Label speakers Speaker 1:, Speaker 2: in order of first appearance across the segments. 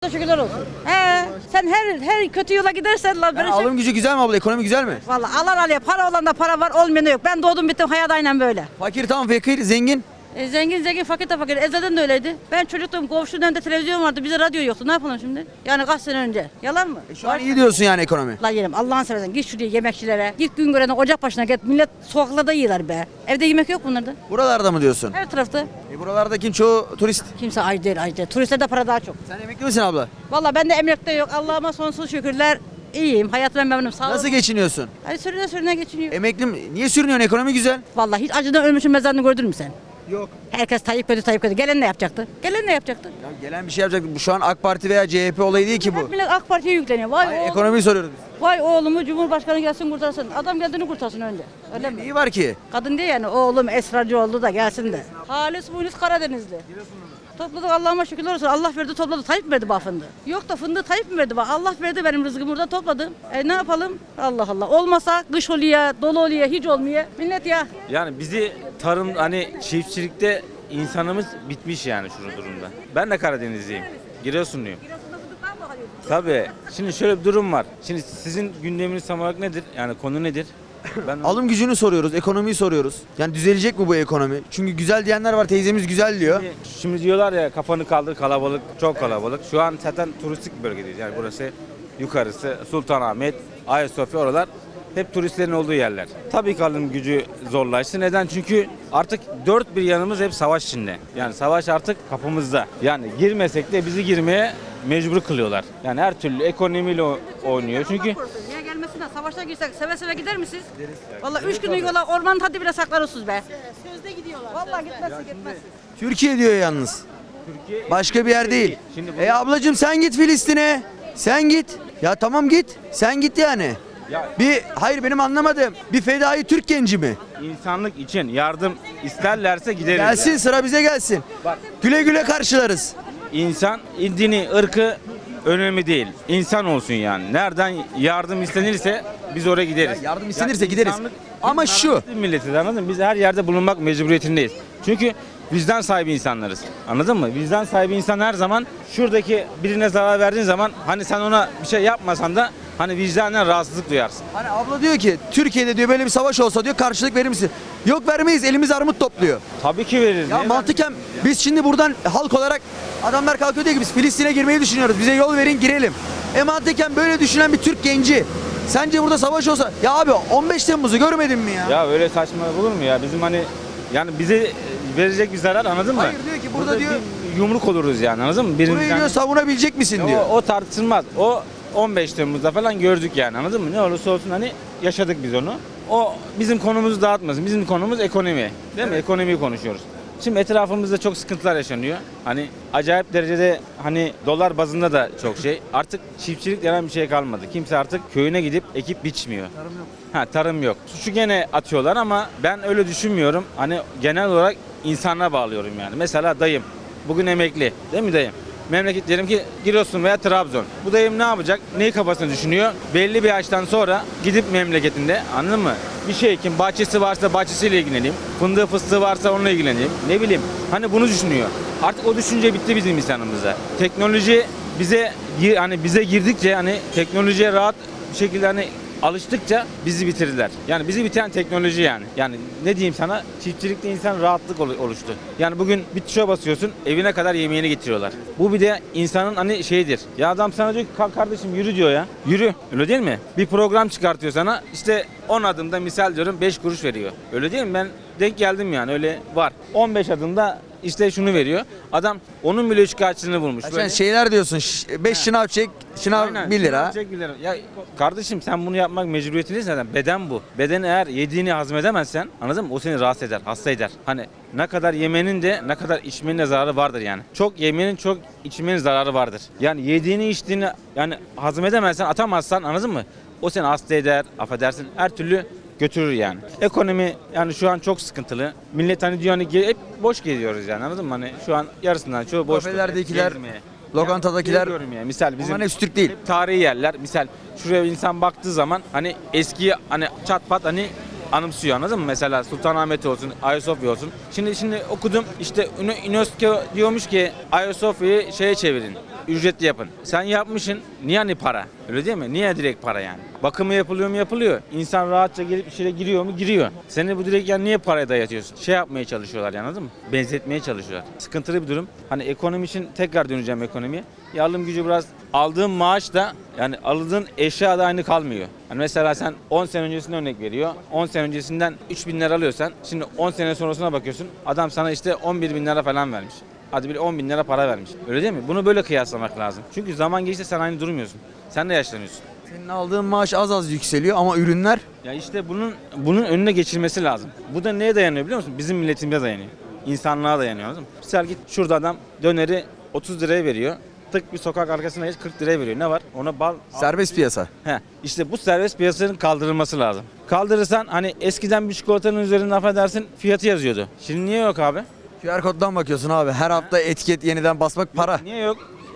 Speaker 1: Şükürler olsun. Sen her kötü yola gidersen lan
Speaker 2: Yani alım gücü güzel mi abla? Ekonomi güzel mi?
Speaker 1: Vallahi alan alıyor. Para olan da para var, olmayan da yok. Ben doğdum bittim hayat aynen böyle.
Speaker 2: Fakir tamam, fakir, zengin.
Speaker 1: Zengin, fakir de fakir. Ezelden de öyleydi. Ben çocuktum, komşunun önünde televizyon vardı. Bize radyo yoktu. Ne yapalım şimdi? Yani kaç sene önce. Yalan mı?
Speaker 2: Şu an iyi diyorsun yani ekonomi.
Speaker 1: La yerim Allah'ını seversen git şuraya yemekçilere. Git gün görene ocak başına git. Millet sokaklarda yiyorlar be. Evde yemek yok bunlarda.
Speaker 2: Buralarda mı diyorsun?
Speaker 1: Her tarafta.
Speaker 2: Buralardaki çoğu turist.
Speaker 1: Kimse aç değil. Turistlerde para daha çok.
Speaker 2: Sen emekli misin abla?
Speaker 1: Vallahi ben de emekte yok. Allah'ıma sonsuz şükürler. İyiyim. Hayatımdan memnunum. Sağ
Speaker 2: Nasıl
Speaker 1: olun.
Speaker 2: geçiniyorsun?
Speaker 1: Hadi sürüne geçiniyor.
Speaker 2: Emekli mi? Niye sürünüyorsun? Ekonomi güzel.
Speaker 1: Vallahi hiç acıdan ölmüşün mezarını gördün mü sen?
Speaker 2: Yok.
Speaker 1: Herkes Tayyip kötü. Gelen ne yapacaktı? Gelen ne yapacaktı?
Speaker 2: Ya gelen bir şey yapacak. Bu şu an AK Parti veya CHP olayı değil ki bu.
Speaker 1: Hep millet AK Parti'ye yükleniyor. Vay,
Speaker 2: Hayır,
Speaker 1: oğlum,
Speaker 2: ekonomiyi soruyoruz biz.
Speaker 1: vay oğlumu Cumhurbaşkanı gelsin kurtarsın. Adam geldiğini kurtarsın önce. Öyle mi?
Speaker 2: Neyi var ki?
Speaker 1: Kadın diye yani oğlum esrarcı oldu da gelsin de. Halis Munis Karadenizli. Topladık Allah'ıma şükürler olsun. Allah verdi topladı. Tayyip mi verdi bana fındığı? Yok da fındığı Tayyip mi verdi bana? Allah verdi benim rızkımı burada topladım. Ne yapalım? Allah Allah. Olmasa kış oluyor, dolu oluyor, hiç olmuyor. Millet ya.
Speaker 3: Yani bizi tarım hani çiftçilikte insanımız bitmiş yani şu durumda. Ben de Karadenizliyim. Giresunluyum. Tabii. Şimdi şöyle bir durum var. Şimdi sizin gündeminiz tam olarak nedir? Yani konu nedir? Ben
Speaker 2: Alım gücünü soruyoruz, ekonomiyi soruyoruz. Yani düzelecek mi bu ekonomi? Çünkü güzel diyenler var, teyzemiz güzel diyor.
Speaker 3: Şimdi diyorlar ya kafanı kaldır kalabalık, çok kalabalık. Şu an zaten turistik bir bölgedeyiz. Yani burası yukarısı Sultanahmet, Ayasofya oralar hep turistlerin olduğu yerler. Tabii ki alım gücü zorlaştı. Neden? Çünkü artık dört bir yanımız hep savaş içinde. Yani savaş artık kapımızda. Yani girmesek de bizi girmeye mecbur kılıyorlar. Yani her türlü ekonomiyle oynuyor. Çünkü
Speaker 1: Niye gelmesinler? Savaşa girsek seve seve gider misiniz? Vallahi 3 günlük yola ormanın tadı bile saklarısınız be. Sözde gidiyorlar. Vallahi gitmezsin.
Speaker 2: Türkiye diyor yalnız. Başka bir yer değil.
Speaker 3: Şimdi bu-
Speaker 2: Ablacığım sen git Filistin'e. Sen git. Ya tamam git. Sen git yani.
Speaker 3: Ya-
Speaker 2: Hayır benim anlamadığım bir fedai Türk genci mi?
Speaker 3: insanlık için yardım isterlerse gideriz.
Speaker 2: Gelsin
Speaker 3: yani.
Speaker 2: sıra bize gelsin.
Speaker 3: Bak.
Speaker 2: Güle güle karşılarız.
Speaker 3: İnsan dini, ırkı önemli değil. İnsan olsun yani. Nereden yardım istenirse biz oraya gideriz.
Speaker 2: Ya yardım istenirse gideriz.
Speaker 3: insanlık-
Speaker 2: Ama
Speaker 3: biz
Speaker 2: şu-
Speaker 3: merhametli milletiz, anladın mı? Biz her yerde bulunmak mecburiyetindeyiz. Çünkü vicdan sahibi insanlarız. Anladın mı? Vicdan sahibi insan her zaman şuradaki birine zarar verdiğin zaman hani sen ona bir şey yapmasan da hani vicdanen rahatsızlık duyarsın.
Speaker 2: Hani abla diyor ki Türkiye'de diyor böyle bir savaş olsa diyor karşılık verir misin? Yok vermeyiz, elimiz armut topluyor.
Speaker 3: Tabii ki veririz.
Speaker 2: Ya
Speaker 3: Niye
Speaker 2: mantıken biz şimdi buradan halk olarak adamlar kalkıyor diyor ki biz Filistin'e girmeyi düşünüyoruz. Bize yol verin girelim. Mantıken böyle düşünen bir Türk genci sence burada savaş olsa ya abi 15 Temmuz'u görmedin mi ya?
Speaker 3: Ya öyle saçma olur mu ya? Bizim hani yani bize verecek bir zarar, anladın mı?
Speaker 2: Hayır, diyor ki burada diyor-
Speaker 3: bir yumruk oluruz yani, anladın mı? Birinin
Speaker 2: Burayı diyor savunabilecek misin diyor.
Speaker 3: o tartışılmaz. O 15 Temmuz'da falan gördük yani, anladın mı? Ne olursa olsun hani yaşadık biz onu. O bizim konumuzu dağıtmasın. Bizim konumuz ekonomi. Değil mi? Ekonomiyi konuşuyoruz. Şimdi etrafımızda çok sıkıntılar yaşanıyor. Hani acayip derecede hani dolar bazında da çok şey. Artık çiftçilik denen bir şey kalmadı. Kimse artık köyüne gidip ekip biçmiyor. Tarım yok. Tarım yok. Suçu gene atıyorlar ama ben öyle düşünmüyorum. Hani genel olarak insanlara bağlıyorum yani. Mesela dayım bugün emekli. Değil mi dayım? Memleket diyelim ki Giresun veya Trabzon. Bu dayım ne yapacak? Neyi kafasına düşünüyor? Belli bir yaştan sonra gidip memleketinde, anladın mı? Bir şey ekim, bahçesi varsa bahçesiyle ilgileneyim. Fındığı fıstığı varsa onunla ilgileneyim. Ne bileyim. Hani bunu düşünüyor. Artık o düşünce bitti bizim insanımızda. Teknoloji bize girdikçe hani teknolojiye rahat bir şekilde hani alıştıkça bizi bitirdiler. Yani bizi bitiren teknoloji yani. Yani ne diyeyim sana? Çiftçilikte insan rahatlık oluştu. Yani bugün bir tuşa basıyorsun, evine kadar yemeğini getiriyorlar. Bu bir de insanın hani şeyidir. Ya adam sana diyor ki kalk kardeşim yürü diyor ya. Yürü. Öyle değil mi? Bir program çıkartıyor sana. İşte 10 adımda misal diyorum 5 kuruş veriyor. Öyle değil mi? Ben denk geldim yani, öyle var. 15 adımda işte şunu veriyor. Adam onun bile şikayetçisini bulmuş.
Speaker 2: Sen şeyler diyorsun 5 şınav çek, şınav
Speaker 3: Aynen.
Speaker 2: 1 lira.
Speaker 3: Çek 1 lira. Ya kardeşim sen bunu yapmak mecburiyetindesin zaten. Beden bu. Beden eğer yediğini hazmedemezsen, anladın mı? O seni rahatsız eder, hasta eder. Hani ne kadar yemenin de ne kadar içmenin de zararı vardır yani. Çok yemenin çok içmenin zararı vardır. Yani yediğini içtiğini yani hazmedemezsen, atamazsan, anladın mı? O seni hasta eder, affedersin. Her türlü götürür yani. Ekonomi yani şu an çok sıkıntılı. Millet hani diyor hani hep boş geziyoruz yani, anladın mı? Hani şu an yarısından çoğu boş.
Speaker 2: Kafelerdekiler, lokantadakiler,
Speaker 3: Yani misal bizim
Speaker 2: onların hepsi Türk değil.
Speaker 3: hep tarihi yerler. Misal şuraya insan baktığı zaman hani eski hani çat pat hani anımsıyor, anladın mı? Mesela Sultanahmet olsun, Ayasofya olsun. Şimdi okudum işte UNESCO diyormuş ki Ayasofya'yı şeye çevirin. ücretli yapın. Sen yapmışsın, niye hani para? Öyle değil mi? Niye direkt para yani? Bakımı yapılıyor mu? Yapılıyor. İnsan rahatça gelip içeri giriyor mu? Giriyor. Seni bu direkt yani niye paraya dayatıyorsun? Şey yapmaya çalışıyorlar yani, anladın mı? Benzetmeye çalışıyorlar. Sıkıntılı bir durum. Hani ekonomi için tekrar döneceğim ekonomiye. Ya alım gücü biraz, aldığın maaş da yani aldığın eşya da aynı kalmıyor. Hani mesela sen 10 sene öncesine örnek veriyor. 10 sene öncesinden 3.000 lira alıyorsan şimdi 10 sene sonrasına bakıyorsun. Adam sana işte 11.000 lira falan vermiş. Hadi bir 10.000 lira para vermiş. Öyle değil mi? Bunu böyle kıyaslamak lazım. Çünkü zaman geçti sen aynı durmuyorsun. Sen de yaşlanıyorsun.
Speaker 2: Senin aldığın maaş az az yükseliyor ama ürünler
Speaker 3: Ya işte bunun önüne geçilmesi lazım. Bu da neye dayanıyor biliyor musun? Bizim milletimize dayanıyor. İnsanlığa dayanıyor, anladın mı? Mesela git şurada adam döneri 30 liraya veriyor. Tık bir sokak arkasına geç 40 liraya veriyor. Ne var? Ona bal...
Speaker 2: serbest piyasa.
Speaker 3: İşte bu serbest piyasanın kaldırılması lazım. Kaldırırsan hani eskiden bir çikolatanın üzerinde affedersin fiyatı yazıyordu. Şimdi niye yok abi?
Speaker 2: QR koddan bakıyorsun abi. Her hafta etiket yeniden basmak para.
Speaker 3: Niye yok?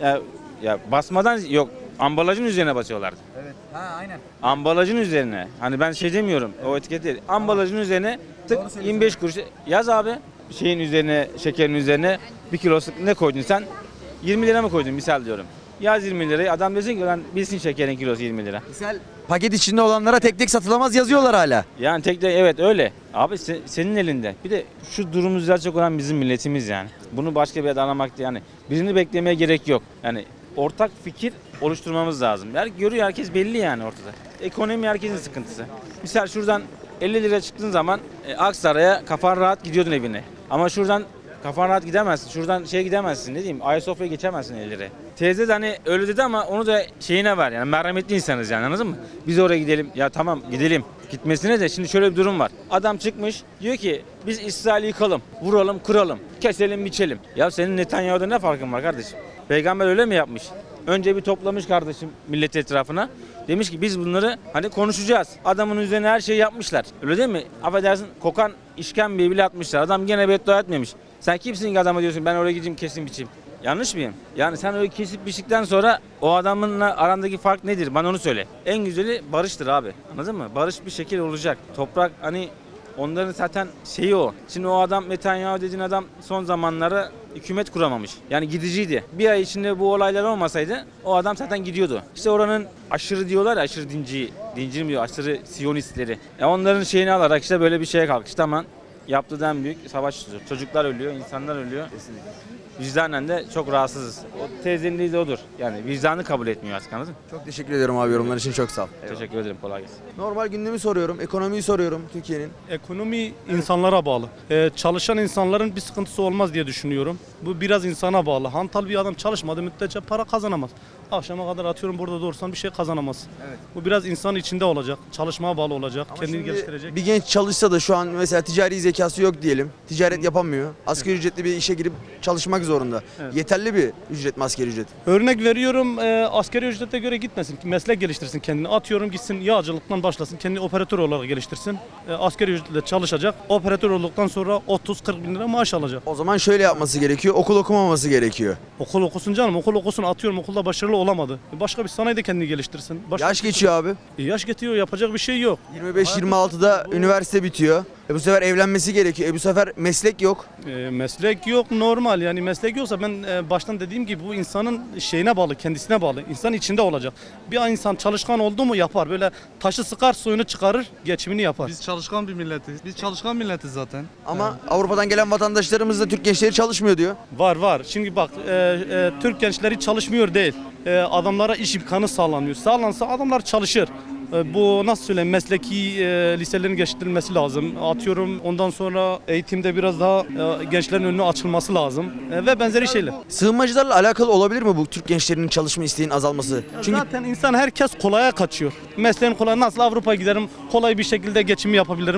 Speaker 3: Ya basmadan yok. Ambalajın üzerine basıyorlardı.
Speaker 2: Evet. Ha aynen.
Speaker 3: Ambalajın üzerine. Hani ben şey demiyorum. O etiket değil. Ambalajın üzerine tık 25 kuruş yaz abi. Şeyin üzerine, şekerin üzerine 1 kilosu ne koydun sen? 20 lira mı koydun misal diyorum. Yaz 20 lirayı. Adam desin ki lan bilsin şekerin kilosu 20 lira.
Speaker 2: Misal paket içinde olanlara tek tek satılamaz yazıyorlar hala.
Speaker 3: Yani tek de evet öyle. Abi senin elinde. Bir de şu durumu düzeltecek olan bizim milletimiz yani. Bunu başka bir yerde aramak yani. Birini beklemeye gerek yok. Yani ortak fikir oluşturmamız lazım. Görüyor herkes belli yani ortada. Ekonomi herkesin sıkıntısı. Misal şuradan 50 lira çıktığın zaman Aksaray'a kafan rahat gidiyordun evine. Ama şuradan kafan rahat gidemezsin. Şuradan gidemezsin, ne diyeyim, Ayasofya'ya geçemezsin 50 liraya. Teyze de hani öyle dedi ama onu da şeyine var yani, merhametli insanız yani, anladın mı? Biz oraya gidelim, ya tamam gidelim. Gitmesine de şimdi şöyle bir durum var. Adam çıkmış diyor ki biz İsrail'i yıkalım, vuralım, kıralım, keselim, biçelim. Ya senin Netanyahu'da ne farkın var kardeşim? Peygamber öyle mi yapmış? Önce bir toplamış kardeşim millet etrafına. Demiş ki biz bunları hani konuşacağız. Adamın üzerine her şeyi yapmışlar. Öyle değil mi? Affedersin kokan işkembeyi bile atmışlar. Adam gene beddua etmemiş. Sen kimsin ki adama diyorsun ben oraya gideyim kesin biçeyim. Yanlış mıyım? Yani sen öyle kesip biçtikten sonra o adamınla arandaki fark nedir? Bana onu söyle. En güzeli barıştır abi. Anladın mı? Barış bir şekil olacak. Toprak hani onların zaten şeyi o. Şimdi o adam Netanyahu dediğin adam son zamanlarda hükümet kuramamış. Yani gidiciydi. Bir ay içinde bu olaylar olmasaydı o adam zaten gidiyordu. İşte oranın aşırı diyorlar ya, aşırı dinci mi diyor, aşırı siyonistleri. Onların şeyini alarak işte böyle bir şeye kalkıştı ama yaptığı en büyük savaş. Çocuklar ölüyor, insanlar ölüyor. Kesinlikle. Vicdanen de çok rahatsızız. O teyzenin dediği de odur. Yani vicdanı kabul etmiyor artık, anladın mı?
Speaker 2: Çok teşekkür ediyorum abi, yorumlar için çok sağ ol.
Speaker 3: Teşekkür ederim, kolay gelsin.
Speaker 2: Normal gündemi soruyorum, ekonomiyi soruyorum Türkiye'nin.
Speaker 4: Ekonomi insanlara bağlı. Çalışan insanların bir sıkıntısı olmaz diye düşünüyorum. Bu biraz insana bağlı. Hantal bir adam çalışmadığı müddetçe para kazanamaz. Akşama kadar atıyorum burada dursan bir şey kazanamaz.
Speaker 2: Evet.
Speaker 4: Bu biraz insanın içinde olacak. Çalışmaya bağlı olacak.
Speaker 2: Ama
Speaker 4: Kendini
Speaker 2: şimdi
Speaker 4: geliştirecek.
Speaker 2: bir genç çalışsa da şu an mesela ticari zekası yok diyelim. Ticaret yapamıyor. Asgari ücretli bir işe girip çalışmak zorunda.
Speaker 4: Evet.
Speaker 2: Yeterli bir ücret mi asgari ücret?
Speaker 4: Örnek veriyorum, asgari ücrete göre gitmesin. Meslek geliştirsin kendini. Atıyorum gitsin yağcılıktan başlasın. Kendini operatör olarak geliştirsin. Asgari ücretle çalışacak. Operatör olduktan sonra 30-40 bin lira maaş alacak.
Speaker 2: O zaman şöyle yapması gerekiyor. Okul okumaması gerekiyor.
Speaker 4: Okul okusun canım. Okul okusun, atıyorum okulda başarılı olamadı. Başka bir sanayide kendini geliştirsin.
Speaker 2: Yaş geçiyor abi.
Speaker 4: Yaş getiriyor, yapacak bir şey yok.
Speaker 2: 25-26'da üniversite bitiyor. Bu sefer evlenmesi gerekiyor. Bu sefer meslek yok.
Speaker 4: Meslek yok, normal yani meslek yoksa ben baştan dediğim gibi bu insanın şeyine bağlı, kendisine bağlı. İnsan içinde olacak. Bir insan çalışkan oldu mu yapar. Böyle taşı sıkar, suyunu çıkarır, geçimini yapar.
Speaker 5: Biz çalışkan bir milletiz. Biz çalışkan milletiz zaten.
Speaker 2: Ama Avrupa'dan gelen vatandaşlarımız da Türk gençleri çalışmıyor diyor.
Speaker 4: Var. Şimdi bak Türk gençleri çalışmıyor değil. Adamlara iş imkanı sağlanıyor. Sağlansa adamlar çalışır. Bu nasıl söyleyeyim, mesleki liselerin geliştirilmesi lazım. Atıyorum ondan sonra eğitimde biraz daha gençlerin önüne açılması lazım ve benzeri şeyler.
Speaker 2: Sığınmacılarla alakalı olabilir mi bu Türk gençlerinin çalışma isteğinin azalması? Çünkü
Speaker 4: Zaten insan herkes kolaya kaçıyor. Mesleğin kolay, nasıl Avrupa'ya giderim, kolay bir şekilde geçimi yapabilirim.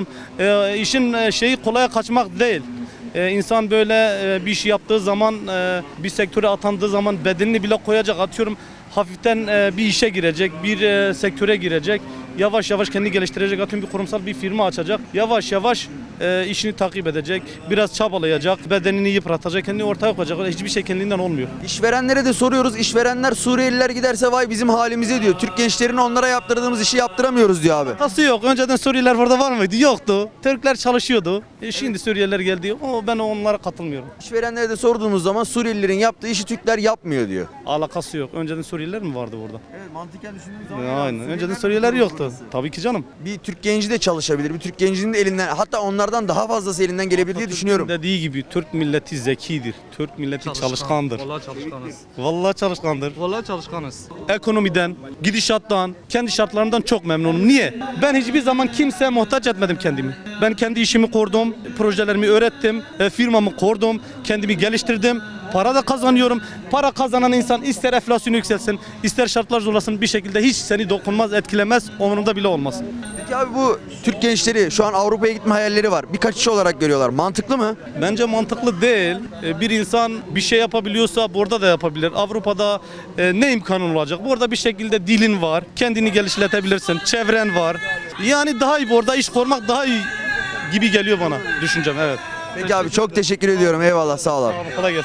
Speaker 4: İşin şeyi kolaya kaçmak değil. İnsan böyle bir iş yaptığı zaman, bir sektöre atandığı zaman bedenini bile koyacak. Atıyorum hafiften bir işe girecek, bir sektöre girecek. Yavaş yavaş kendini geliştirecek. Atıyorum bir kurumsal bir firma açacak. Yavaş yavaş işini takip edecek. Biraz çabalayacak. Bedenini yıpratacak. Kendini ortaya koyacak. Hiçbir şey kendinden olmuyor.
Speaker 2: İşverenlere de soruyoruz. İşverenler Suriyeliler giderse vay bizim halimize diyor. Türk gençlerine onlara yaptırdığımız işi yaptıramıyoruz diyor abi.
Speaker 4: Nasıl yok? Önceden Suriyeliler burada var mıydı? Yoktu. Türkler çalışıyordu. Şimdi Suriyeliler geldi. Ben onlara katılmıyorum.
Speaker 2: İşverenlere de sorduğumuz zaman Suriyelilerin yaptığı işi Türkler yapmıyor diyor.
Speaker 4: Alakası yok. Önceden Suriyeliler mi vardı burada?
Speaker 2: Evet, mantıken düşündüğümüz
Speaker 4: Aynen. Önceden Suriyeliler yoktu. Tabii ki canım.
Speaker 2: Bir Türk genci de çalışabilir. Bir Türk gencinin de elinden, hatta onlardan daha fazlası elinden gelebilir diye düşünüyorum.
Speaker 4: Dediği gibi Türk milleti zekidir. Türk milleti çalışkandır.
Speaker 5: Vallahi çalışkanız.
Speaker 4: Vallahi çalışkandır.
Speaker 5: Vallahi çalışkanız.
Speaker 4: Ekonomiden, gidişattan, kendi şartlarından çok memnunum. Niye? Ben hiçbir zaman kimseye muhtaç etmedim kendimi. Ben kendi işimi kurdum, projelerimi öğrettim, firmamı kurdum, kendimi geliştirdim. Para da kazanıyorum. Para kazanan insan ister enflasyon yükselsin, ister şartlar zorlasın bir şekilde hiç seni dokunmaz, etkilemez, umurunda bile olmaz.
Speaker 2: Peki abi bu Türk gençleri şu an Avrupa'ya gitme hayalleri var. Bir kaçış olarak görüyorlar. Mantıklı mı?
Speaker 4: Bence mantıklı değil. Bir insan bir şey yapabiliyorsa burada da yapabilir. Avrupa'da ne imkanın olacak? Burada bir şekilde dilin var, kendini geliştirebilirsin, çevren var. Yani daha iyi, orada iş kurmak daha iyi gibi geliyor bana düşüncem, evet.
Speaker 2: Peki abi çok teşekkür ediyorum. Eyvallah, sağ ol abi.
Speaker 4: Kolay gelsin.